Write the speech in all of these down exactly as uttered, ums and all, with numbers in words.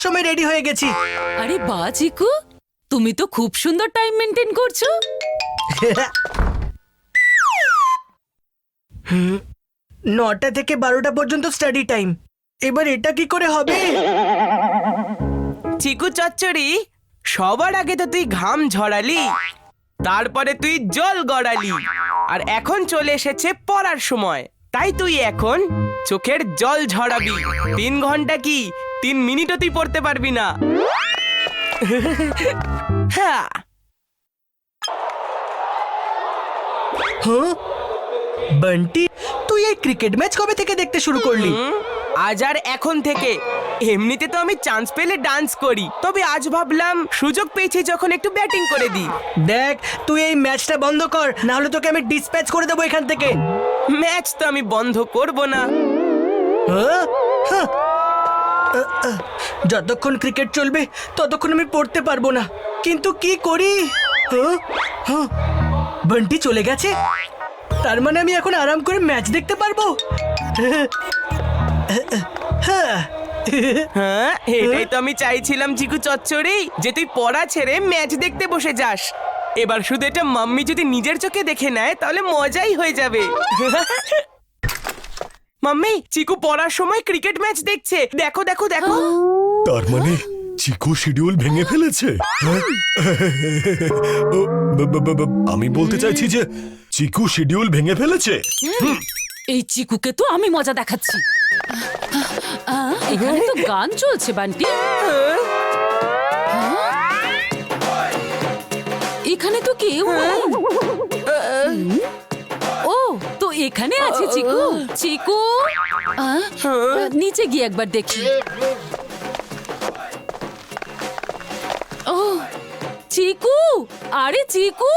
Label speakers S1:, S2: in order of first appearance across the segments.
S1: সময় রেডি হয়ে গেছি।
S2: আরে বাহ চিকু, তুমি তো খুব সুন্দর টাইম মেনটেন করছো।
S1: হুম, নটা থেকে বারোটা পর্যন্ত স্টাডি টাইম। এবার এটা কি করে হবে?
S3: চিকু চচ্চড়ি, সবার আগে তো তুই ঘাম ঝরালি, তারপরে তুই জল গড়ালি, আর এখন চলে এসেছে পড়ার সময়। তাই তুই এখন চোখের জল ঝরাবি। তিন ঘন্টা কি তিন মিনিটও তুই পড়তে পারবি না। হ্যাঁ,
S1: হ্যাঁ বান্টি, তুই এই ক্রিকেট ম্যাচ কবে থেকে দেখতে শুরু করলি?
S3: হুম, আজ আর এখন থেকে। এমনিতে তো আমি চান্স পেলে ডান্স করি, তবে আজ ভাবলাম সুযোগ পেয়েছি যখন একটু ব্যাটিং করে দিই।
S1: দেখ, তুই এই ম্যাচটা বন্ধ কর, না হলে তোকে আমি ডিসপ্যাচ করে দেবো এখান থেকে।
S3: ম্যাচ তো আমি বন্ধ করব না।
S1: হ্যাঁ? হ্যাঁ। আহ, আহ, যতক্ষণ ক্রিকেট চলবে ততক্ষণ আমি পড়তে পারবো না, কিন্তু কি করি? হ্যাঁ? হ্যাঁ। বান্টি চলে গেছে, তার মানে আমি এখন আরাম করে ম্যাচ দেখতে পারবো। হ্যাঁ,
S3: হ্যাঁ, এটাই তো আমি চাইছিলাম চিকু চচ্চড়ি, যে তুই পড়া ছেড়ে ম্যাচ দেখতে বসে যাস। এবার শুধু এটা মাম্মি যদি নিজের চোখে দেখে নেয় তাহলে মজাই হয়ে যাবে। মাম্মি, চিকু পড়ার সময় ক্রিকেট ম্যাচ দেখছে, দেখো দেখো দেখো।
S4: তার মানে চিকু শিডিউল ভেঙে ফেলেছে? হ্যাঁ? ও, ব- ব- ব- ব- আমি বলতে চাইছি যে চিকু শিডিউল ভেঙে ফেলেছে।
S2: এই চিকুকে তো আমি মজা দেখাচ্ছি। আহ, এখানে তো গান চলছে বান্টি। হ্যাঁ? এখানে তো কেউ নেই। হুম? ও তো এখানে আছে চিকু। চিকু, আহ, নিচে গিয়ে একবার দেখি। ও চিকু, আরে চিকু,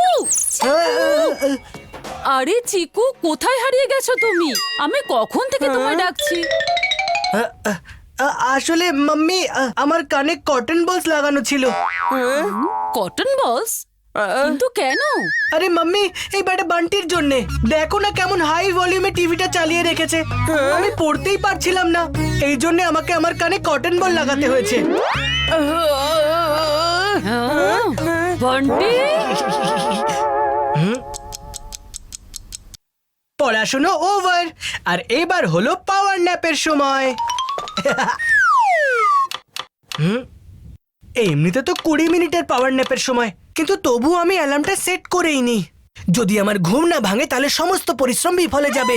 S2: আরে চিকু, কোথায় হারিয়ে গেছো তুমি? আমি কখন থেকে তোমায় ডাকছি।
S1: আহ, আহ, আহ, আসলে মাম্মি, আহ, আমার কানে কটন বলস লাগানো ছিল।
S2: কটন বলস? কিন্তু কেন?
S1: আরে মাম্মি, এই ব্যাটা বান্টির জন্যে। দেখো না কেমন হাই ভলিউমে টিভিটা চালিয়ে রেখেছে, আমি পড়তেই পারছিলাম না, এই জন্য আমাকে আমার কানে কটন বল লাগাতে হয়েছে।
S2: হ্যাঁ? বান্টি,
S1: পড়াশোনা ওভার, আর এবার হলো পাওয়ার ন্যাপের সময়। হুম, এমনিতে তো কুড়ি মিনিটের পাওয়ার ন্যাপের সময়, কিন্তু তবু আমি অ্যালার্মটা সেট করেই নি। যদি আমার ঘুম না ভাঙে তাহলে সমস্ত পরিশ্রম বিফলে যাবে।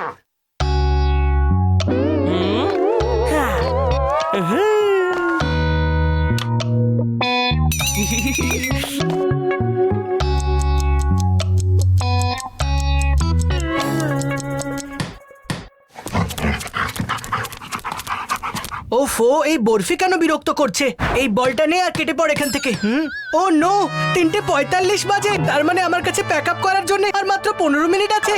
S1: ওফো, এই বরফি কেন বিরক্ত করছে? এই বলটা নে আর কেটে পড় এখান থেকে। হুম, ও নো, তিনটে পঁয়তাল্লিশ বাজে, তার মানে আমার কাছে প্যাক আপ করার জন্য আর মাত্র পনেরো মিনিট আছে।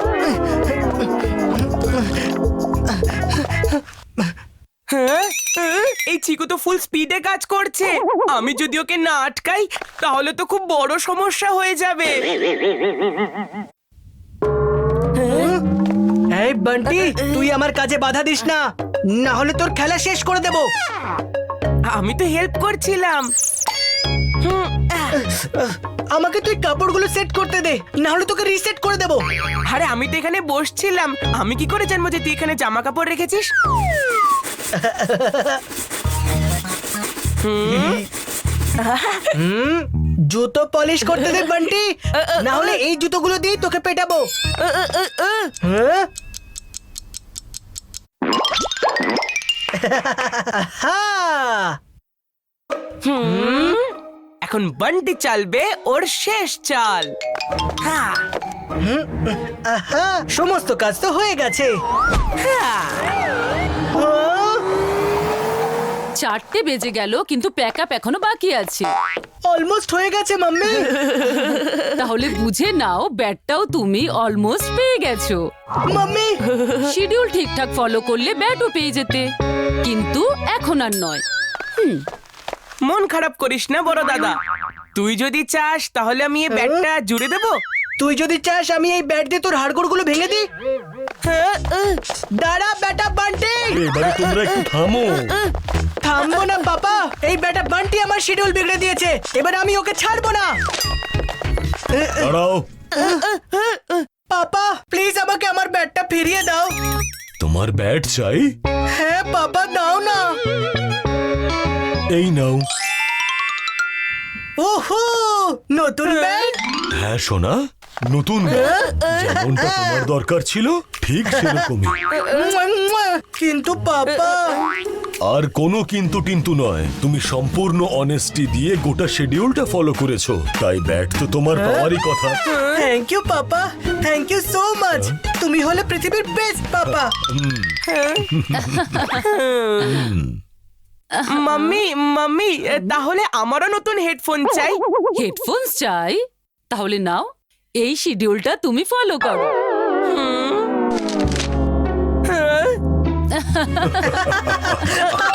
S3: হ্যাঁ? এই চিকু তো ফুল স্পিডে কাজ করছে। আমি যদি ওকে না আটকাই তাহলে তো খুব বড় সমস্যা হয়ে যাবে।
S1: এই বান্টি, তুই আমার কাজে বাধা দিস না, না হলে তোর খেলা শেষ করে দেব।
S3: আমি তো হেল্প করছিলাম। হুম, আহ,
S1: আমাকে তুই কাপড়গুলো সেট করতে দে, না হলে তোকে রিসেট করে দেব।
S3: আরে আমি তো এখানে বসছিলাম, আমি কি করে জানবো যে তুই এখানে জামা কাপড় রেখেছিস?
S1: হুম, জুতো পলিশ করতে দে বান্টি, না হলে এই জুতোগুলো দিয়ে তোকে পেটাবো। হ্যাঁ? হ্যাঁ।
S3: হুম, এখন বান্টি চালবে ওর শেষ চাল। হ্যাঁ,
S1: আহা, সমস্ত কাজ তো হয়ে গেছে।
S3: হ্যাঁ।
S1: হ্যাঁ?
S2: চারটে বেজে গেল কিন্তু প্যাক আপ এখনো বাকি আছে।
S1: অলমোস্ট হয়ে গেছে মাম্মি।
S2: তাহলে বুঝে নাও, ব্যাটটাও তুমি অলমোস্ট পেয়ে গেছো।
S1: মাম্মি,
S2: শিডিউল ঠিকঠাক ফলো করলে ব্যাটও পেয়ে যেতে, কিন্তু এখন আর নয়। হুম,
S3: মন খারাপ করিস না বড় দাদা, তুই যদি চাস তাহলে আমি এই ব্যাটটা জুড়ে দেবো।
S1: তুই যদি চাস আমি এই ব্যাট দিয়ে তোর হাড়গোড়গুলো ভেঙে দিই।
S3: হ্যাঁ, আহ,
S1: দাঁড়া বেটা বান্টি।
S4: এবারে তোমরা একটু থামো।
S1: থামবো না পাপা, এই বেটা বান্টি আমার শিডিউল বিগড়ে দিয়েছে, এবার আমি ওকে ছাড়বো না।
S4: দাঁড়াও,
S1: পাপা প্লিজ আমাকে আমার ব্যাটটা ফিরিয়ে দাও।
S4: তোমার ব্যাট চাই?
S1: হ্যাঁ পাপা দাও না।
S4: এই নাও।
S1: ওহো, নতুন ব্যাট।
S4: হ্যাঁ সোনা, নতুন ব্যাট। যেমনটা তোমার দরকার ছিল ঠিক সেরকমই।
S1: মুয়া, মুয়া। কিন্তু পাপা,
S4: আর কোনো কিন্তু টিন্তু নয়, তুমি সম্পূর্ণ অনেস্টি দিয়ে গোটা শিডিউলটা ফলো করেছো, তাই ব্যাট তো তোমার পাওয়ারই কথা।
S1: Thank you papa, thank you so much. তুমি হলে পৃথিবীর বেস্ট পাপা।
S3: মাম্মি মাম্মি তাহলে আমারও নতুন হেডফোন চাই।
S2: হেডফোনস চাই? তাহলে নাও, এই শিডিউলটা তুমি ফলো করো।
S3: হ্যাঁ?